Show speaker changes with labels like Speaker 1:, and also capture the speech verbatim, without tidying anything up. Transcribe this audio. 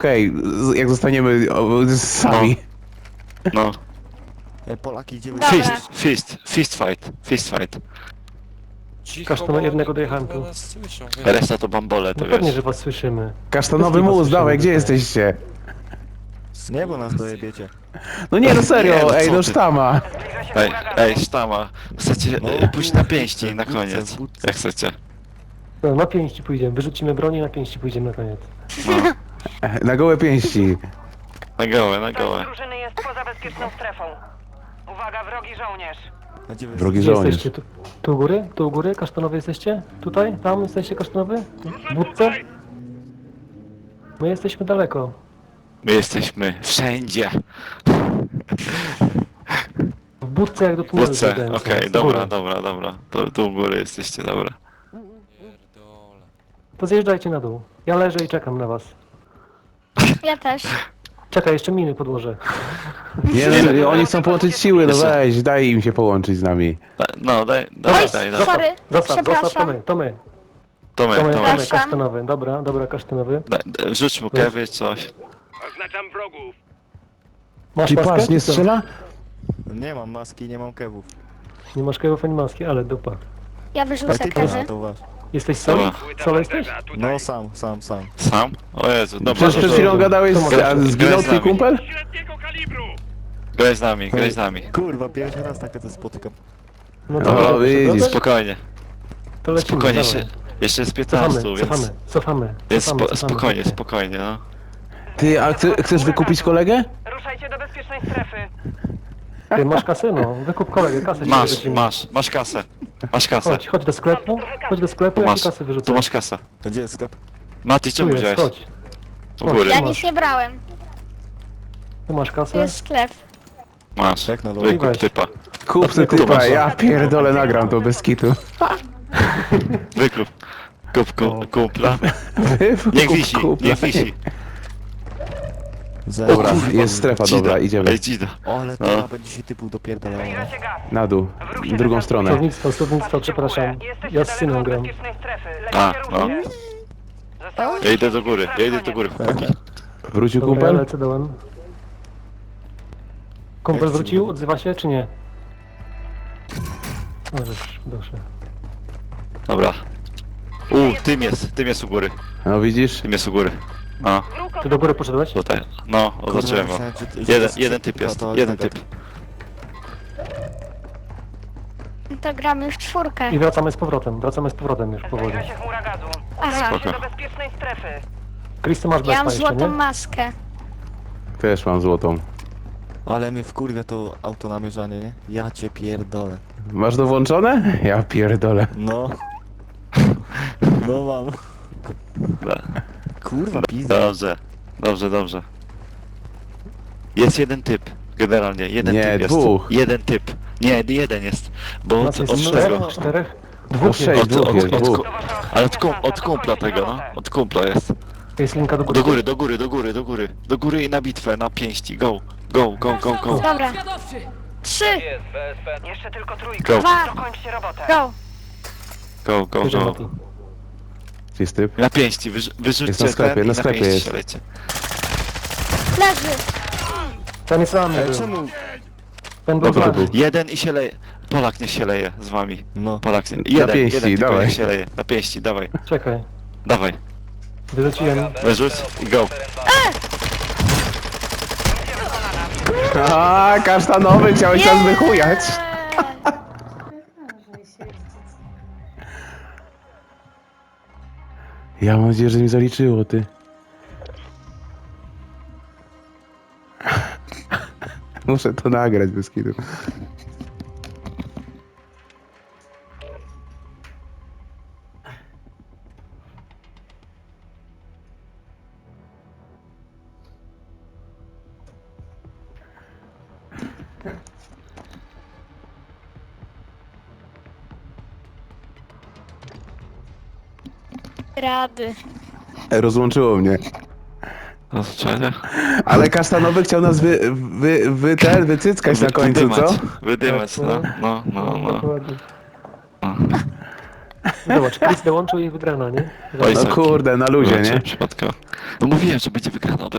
Speaker 1: Okej, okay, jak zostaniemy o, sami.
Speaker 2: No.
Speaker 3: E, Polaki idziemy.
Speaker 4: Dobra.
Speaker 2: Fist, fist, fist fight, fist fight.
Speaker 5: Cicho,
Speaker 6: Kasztana
Speaker 5: bo
Speaker 6: jednego
Speaker 5: oni,
Speaker 6: dojechałem
Speaker 5: kurwa,
Speaker 6: tu.
Speaker 5: nas słyszą, wiesz.
Speaker 2: Reszta to bambole, to
Speaker 6: No pewnie,
Speaker 2: wiesz.
Speaker 6: że was słyszymy.
Speaker 1: Kasztanowy
Speaker 6: Wszystkich was
Speaker 1: mus, dawaj, gdzie
Speaker 6: słyszymy,
Speaker 1: jesteście?
Speaker 3: Z nieba nas dojebiecie.
Speaker 1: No nie, no
Speaker 2: Nie,
Speaker 1: serio,
Speaker 2: no
Speaker 1: ej,
Speaker 2: co
Speaker 1: no
Speaker 2: ty?
Speaker 1: sztama.
Speaker 2: Ej, ej, sztama. Chcecie
Speaker 3: No,
Speaker 2: e, pójść na pięści
Speaker 3: wódce,
Speaker 2: na
Speaker 3: wódce,
Speaker 2: koniec.
Speaker 3: wódce.
Speaker 2: Jak chcecie.
Speaker 6: No, na pięści pójdziemy. Wyrzucimy broni i na pięści pójdziemy na koniec.
Speaker 2: No.
Speaker 1: Na gołe pięści.
Speaker 2: Na gołe, na
Speaker 7: Ktoś
Speaker 2: gołe.
Speaker 7: z drużyny jest poza bezpieczną strefą. Uwaga, wrogi żołnierz.
Speaker 3: A gdzie wy
Speaker 1: Drogi
Speaker 6: Gdzie
Speaker 1: żołnierz.
Speaker 6: jesteście? Tu, tu u góry? Tu u góry? Kasztanowy jesteście? Tutaj? Tam jesteście kasztanowy? W budce? My jesteśmy daleko.
Speaker 2: My jesteśmy wszędzie.
Speaker 6: W budce jak do tunelu.
Speaker 2: Wódce,
Speaker 6: zjadłem
Speaker 2: okej,
Speaker 6: się. Z
Speaker 2: dobra,
Speaker 6: góry.
Speaker 2: dobra, dobra. To tu u góry jesteście, dobra.
Speaker 5: Pierdolę.
Speaker 6: To zjeżdżajcie na dół. Ja leżę i czekam na was.
Speaker 4: Ja też.
Speaker 6: Czekaj, jeszcze miny podłożę.
Speaker 1: Nie, no, oni chcą połączyć siły, no
Speaker 2: Jeszcze.
Speaker 1: weź, daj im się połączyć z nami.
Speaker 2: Da- No, daj, daj,
Speaker 4: Oj,
Speaker 2: daj, daj.
Speaker 4: sorry.
Speaker 6: Zostaw, zostaw, to
Speaker 4: Przepraszam.
Speaker 6: my, to my.
Speaker 2: To my,
Speaker 6: To my,
Speaker 2: to
Speaker 6: to
Speaker 2: my.
Speaker 6: my, kasztanowy. Dobra, dobra, kasztanowy.
Speaker 2: Daj, daj, Rzuć mu kewy, coś.
Speaker 6: Masz
Speaker 1: Czy
Speaker 6: maskę?
Speaker 1: patrz, nie
Speaker 6: czy co?
Speaker 1: strzela?
Speaker 3: Nie mam maski, nie mam kewów.
Speaker 6: Nie masz kewów ani maski, ale dupa.
Speaker 4: Ja
Speaker 3: A
Speaker 4: wyrzucę
Speaker 3: ty
Speaker 4: kewy.
Speaker 3: też to wasz.
Speaker 6: Jesteś sam?
Speaker 2: Dobra.
Speaker 6: Solo jesteś?
Speaker 3: No sam, sam, sam.
Speaker 2: Sam? O Jezu, dobra,
Speaker 1: Przecież przed
Speaker 2: to-
Speaker 1: chwilą gadałeś,
Speaker 6: to może-
Speaker 1: a zginął
Speaker 2: graj z
Speaker 1: twój
Speaker 2: nami.
Speaker 1: kumpel?
Speaker 2: Graj z nami, graj z nami.
Speaker 3: Kurwa, pierwszy raz takie to spotykam.
Speaker 6: No
Speaker 1: O,
Speaker 6: dobra,
Speaker 1: widzisz.
Speaker 6: dobra,
Speaker 2: Spokojnie,
Speaker 6: to lecimy,
Speaker 2: spokojnie,
Speaker 6: dawaj.
Speaker 2: jeszcze, jeszcze jest
Speaker 6: Cofamy,
Speaker 2: piętnaście, więc...
Speaker 6: cofamy, cofamy,
Speaker 2: Więc
Speaker 6: cofamy,
Speaker 2: spo,
Speaker 6: cofamy.
Speaker 2: spokojnie, spokojnie, no.
Speaker 1: Ty, a chce, chcesz wykupić kolegę?
Speaker 7: Ruszajcie do bezpiecznej strefy.
Speaker 6: Ty masz kasę? No, wykup kolegę, kasę ci
Speaker 2: Masz,
Speaker 6: wyrzucimy.
Speaker 2: masz, masz kasę. Masz kasę.
Speaker 6: Chodź, chodź do sklepu, chodź do sklepu,
Speaker 2: Tu
Speaker 6: ja ci
Speaker 2: masz,
Speaker 6: kasę wyrzucę.
Speaker 2: tu masz kasę.
Speaker 3: To gdzie jest sklep?
Speaker 2: Mati,
Speaker 6: Tu
Speaker 2: czemu
Speaker 6: jest,
Speaker 2: wziąłeś?
Speaker 6: chodź.
Speaker 2: U góry.
Speaker 4: Ja
Speaker 6: masz.
Speaker 4: nic nie brałem.
Speaker 6: Tu masz
Speaker 4: Tu
Speaker 6: kasę.
Speaker 4: jest sklep.
Speaker 2: Masz,
Speaker 3: Jak na dole?
Speaker 2: wykup
Speaker 6: Weź.
Speaker 2: typa.
Speaker 1: Kup se
Speaker 2: Tu
Speaker 1: typa,
Speaker 2: masz.
Speaker 1: ja pierdolę, nagram to bez kitu.
Speaker 2: Wykup. Kup ku, kumpla.
Speaker 1: Kup,
Speaker 2: Niech wisi,
Speaker 1: kup,
Speaker 2: niech wisi.
Speaker 3: Za...
Speaker 1: Dobra, jest strefa, dobra, idziemy.
Speaker 2: Ej, dzida.
Speaker 3: O, ale
Speaker 2: No.
Speaker 3: to będzie się typu dopierdalało.
Speaker 7: Zbliża się gaz.
Speaker 1: Na dół, w drugą stronę.
Speaker 6: Słownictwo, słownictwo, przepraszam.
Speaker 7: Jesteście
Speaker 6: Ja z
Speaker 7: daleko
Speaker 6: synem
Speaker 7: od
Speaker 6: gram.
Speaker 7: bezpiecznej strefy.
Speaker 2: A,
Speaker 7: Lecicie
Speaker 2: no.
Speaker 7: równie. Zostało
Speaker 2: Ja idę do góry, ja idę do góry, chłopaki.
Speaker 1: Wrócił
Speaker 6: Dobra, ja
Speaker 1: kumpel?
Speaker 6: lecę dołem. Kumpel
Speaker 3: Jak ci
Speaker 6: wrócił?
Speaker 3: mówię?
Speaker 6: Odzywa się, czy nie? Możesz, proszę.
Speaker 2: Dobra. U, tym jest, tym jest u góry.
Speaker 1: No widzisz?
Speaker 2: Tym jest u góry. No,
Speaker 6: Ty do góry poszedłeś?
Speaker 2: tutaj. No, oznaczyłem go.
Speaker 3: myślałem, że ty- że
Speaker 2: Jeden,
Speaker 3: to-
Speaker 2: jeden typ
Speaker 3: to-
Speaker 2: jest,
Speaker 3: to-
Speaker 2: jeden
Speaker 3: to-
Speaker 2: typ.
Speaker 4: To gramy w czwórkę.
Speaker 6: I wracamy z powrotem, wracamy z powrotem już powoli.
Speaker 7: Zbliża się chmura gazu.
Speaker 4: Aha.
Speaker 7: Lecicie do bezpiecznej strefy.
Speaker 6: Chris, ty masz
Speaker 4: Ja
Speaker 6: bezpa
Speaker 4: mam
Speaker 6: jeszcze,
Speaker 4: złotą
Speaker 6: nie?
Speaker 4: maskę.
Speaker 1: Też mam złotą.
Speaker 3: Ale mnie wkurwia to auto namierzanie, nie? Ja cię pierdolę.
Speaker 1: Masz to włączone? Ja pierdolę.
Speaker 3: No. No mam.
Speaker 2: Dobra.
Speaker 3: Kurwa, pizda.
Speaker 2: Dobrze, dobrze, dobrze. Jest jeden typ, generalnie, jeden
Speaker 1: Nie,
Speaker 2: typ jest.
Speaker 1: dwóch.
Speaker 2: Jeden typ. Nie, jeden jest. Bo
Speaker 6: Nas
Speaker 2: od,
Speaker 6: jest
Speaker 2: od
Speaker 6: czterech,
Speaker 2: tego.
Speaker 6: czterech?
Speaker 1: No
Speaker 6: Dwóch
Speaker 1: sześć,
Speaker 6: jest.
Speaker 2: Od,
Speaker 1: dwóch
Speaker 2: od,
Speaker 1: jest,
Speaker 2: od,
Speaker 1: dwóch.
Speaker 7: To wasza
Speaker 2: ale od,
Speaker 7: ostatnia
Speaker 2: kum, od
Speaker 7: szansa.
Speaker 2: kumpla
Speaker 7: Dokończyć
Speaker 2: tego, no.
Speaker 7: robotę.
Speaker 2: Od kumpla jest.
Speaker 6: Jest linka do góry.
Speaker 2: Do góry, do góry, do góry, do góry. Do góry i na bitwę, na pięści. Go, go, go, go, go.
Speaker 4: Dobra. Trzy,
Speaker 7: Jeszcze tylko trójka.
Speaker 2: Go,
Speaker 4: dwa,
Speaker 7: Dokończcie robotę.
Speaker 4: go.
Speaker 2: go, go,
Speaker 6: Bierze
Speaker 2: go.
Speaker 6: Mati.
Speaker 1: Gdzie jest typ?
Speaker 2: Na pięści, wyrz, wyrzućcie
Speaker 1: Jest na sklepie,
Speaker 2: ten i
Speaker 1: na sklepie
Speaker 2: pięści
Speaker 1: jest.
Speaker 2: strzelajcie.
Speaker 4: Leży.
Speaker 6: Ten jest sam
Speaker 3: Ale
Speaker 6: był.
Speaker 3: czemu?
Speaker 6: Ten był
Speaker 1: Dobra,
Speaker 6: z
Speaker 1: to
Speaker 6: nami.
Speaker 1: był.
Speaker 2: Jeden i się leje. Polak nie się leje z wami.
Speaker 3: No.
Speaker 2: Polak nie. Jeden,
Speaker 1: pięści,
Speaker 2: jeden tylko
Speaker 1: dawaj.
Speaker 2: niech się leje. Na pięści, dawaj.
Speaker 6: Czekaj.
Speaker 2: Dawaj.
Speaker 6: Wyrzuciłem.
Speaker 2: Wyrzuć i go.
Speaker 1: A, kasztanowy, chciałeś nas wychujać. Ja mam nadzieję, że mi zaliczyło, ty. Muszę to nagrać bez kitu.
Speaker 4: Rady.
Speaker 1: Rozłączyło mnie.
Speaker 2: Rozstrzelenie?
Speaker 1: Ale kasztanowy chciał nas wy, wy, wy ten, wycyckać na końcu, co?
Speaker 2: Wydymać, no, no, no, no.
Speaker 6: Dokładnie.
Speaker 2: no.
Speaker 6: Zobacz, Chris dołączył i wygrana, nie?
Speaker 2: Oj,
Speaker 1: No
Speaker 2: sorki.
Speaker 1: kurde, na luzie,
Speaker 2: Wybaczcie,
Speaker 1: nie?
Speaker 2: Przypadkowo. No mówiłem, że będzie wygrana od